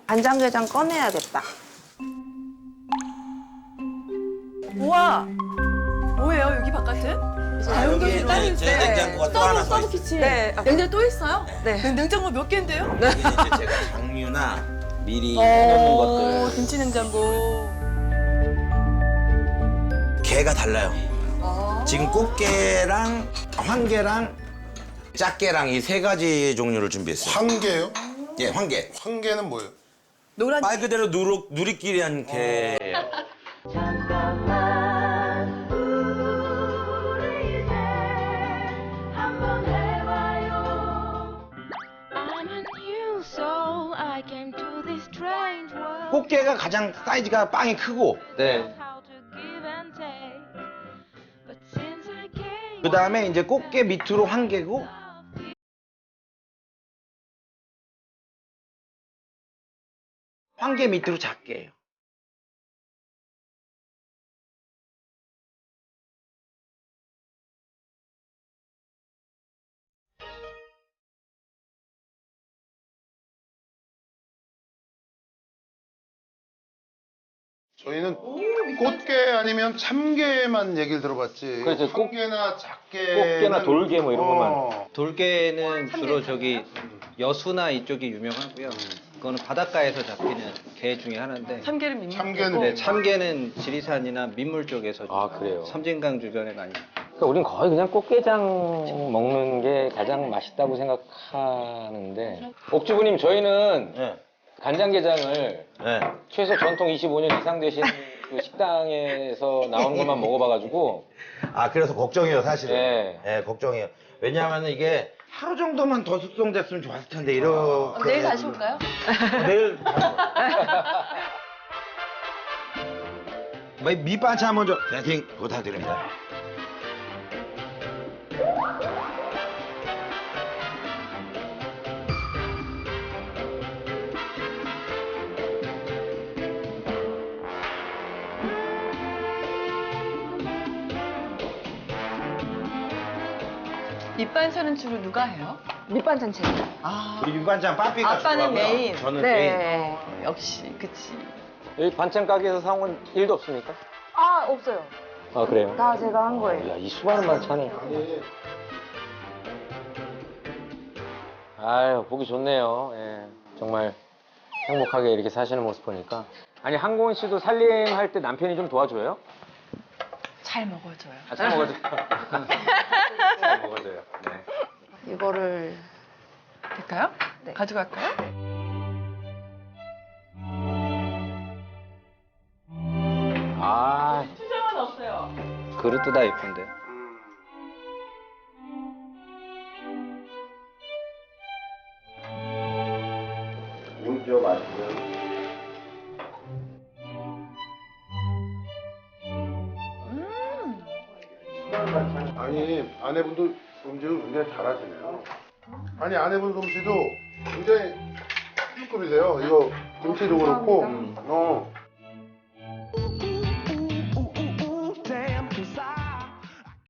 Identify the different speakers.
Speaker 1: 간장게장 꺼내야겠다.
Speaker 2: 우와! 뭐예요, 여기 바깥은?
Speaker 3: 여기
Speaker 2: 따로
Speaker 3: 이제
Speaker 2: 있어요.
Speaker 3: 냉장고가 또 하나 더
Speaker 2: 서브
Speaker 3: 있어요.
Speaker 2: 키친.
Speaker 1: 네.
Speaker 2: 냉장고 또 있어요?
Speaker 1: 네.
Speaker 2: 냉장고 몇 개인데요?
Speaker 3: 여기 이제 제가 장류나 미리 해놓는 것들.
Speaker 2: 김치 냉장고.
Speaker 3: 게가 달라요.
Speaker 2: 아.
Speaker 3: 지금 꽃게랑 황게랑 짝게랑 이 세 가지 종류를 준비했어요.
Speaker 4: 황게요?
Speaker 3: 예, 황게.
Speaker 4: 황게는 뭐예요?
Speaker 2: 노란.
Speaker 3: 말 그대로 누리끼리한 게예요.
Speaker 5: 잠깐만 우리 이제 한번 해봐요. I'm a new soul. I came to this strange world.
Speaker 3: 꽃게가 가장 사이즈가 빵이 크고, 네.
Speaker 5: How to give and take. But since I came,
Speaker 3: 그 다음에 이제 꽃게 밑으로 황게고, 황게 밑으로 작게예요.
Speaker 4: 저희는 꽃게 아니면 참게만 얘기를 들어봤지.
Speaker 6: 그렇죠.
Speaker 4: 황게나 작게.
Speaker 6: 꽃게나 돌게 뭐 이런 것만.
Speaker 7: 돌게는 주로 저기 여수나 이쪽이 유명하고요. 그거는 바닷가에서 잡히는 게 중에 하나인데
Speaker 2: 참깨를 민물.
Speaker 4: 참게는
Speaker 7: 네, 참게는 지리산이나 민물 쪽에서
Speaker 6: 아, 그래요?
Speaker 7: 섬진강 주변에 많이
Speaker 6: 그러니까 우린 거의 그냥 꽃게장 먹는 게 가장 맛있다고 생각하는데 옥주부님 저희는
Speaker 3: 네.
Speaker 6: 간장게장을
Speaker 3: 네.
Speaker 6: 최소 전통 25년 이상 되신 그 식당에서 나오는 것만 먹어봐가지고
Speaker 3: 아, 그래서 걱정이에요, 사실은.
Speaker 6: 네.
Speaker 3: 네, 걱정이에요. 왜냐하면 이게 하루 정도만 더 숙성됐으면 좋았을 텐데, 이렇게.
Speaker 2: 내일 다시 올까요?
Speaker 3: 내일 밑반찬 먼저 세팅 부탁드립니다.
Speaker 2: 밑반찬은 주로 누가 해요?
Speaker 1: 밑반찬 제가.
Speaker 2: 아,
Speaker 3: 우리 밑반찬 빠삐가
Speaker 2: 아빠는
Speaker 3: 좋아하고요.
Speaker 2: 메인.
Speaker 3: 저는 메인.
Speaker 1: 네.
Speaker 2: 역시, 그치.
Speaker 6: 여기 반찬 가게에서 사온 건 일도 없습니까?
Speaker 1: 아, 없어요.
Speaker 6: 아 그래요?
Speaker 1: 다 제가 한 거예요.
Speaker 6: 야, 이 수많은 반찬을. 아유, 보기 좋네요. 예, 정말 행복하게 이렇게 사시는 모습 보니까. 아니, 한고은 씨도 살림할 때 남편이 좀 도와줘요?
Speaker 2: 잘 먹어줘요.
Speaker 6: 아, 잘 먹어줘요. 잘 먹어줘요. 네.
Speaker 1: 이거를
Speaker 2: 될까요?
Speaker 1: 네.
Speaker 2: 가져갈까요?
Speaker 6: 아,
Speaker 2: 수저만 없어요.
Speaker 7: 그릇도 다 예쁜데.
Speaker 3: 물죠, 맛있고요.
Speaker 4: 아니, 아내분도 음식을 굉장히 잘하시네요. 아니, 아내분 솜씨도 굉장히 B급이세요. 이거 김치도 그렇고.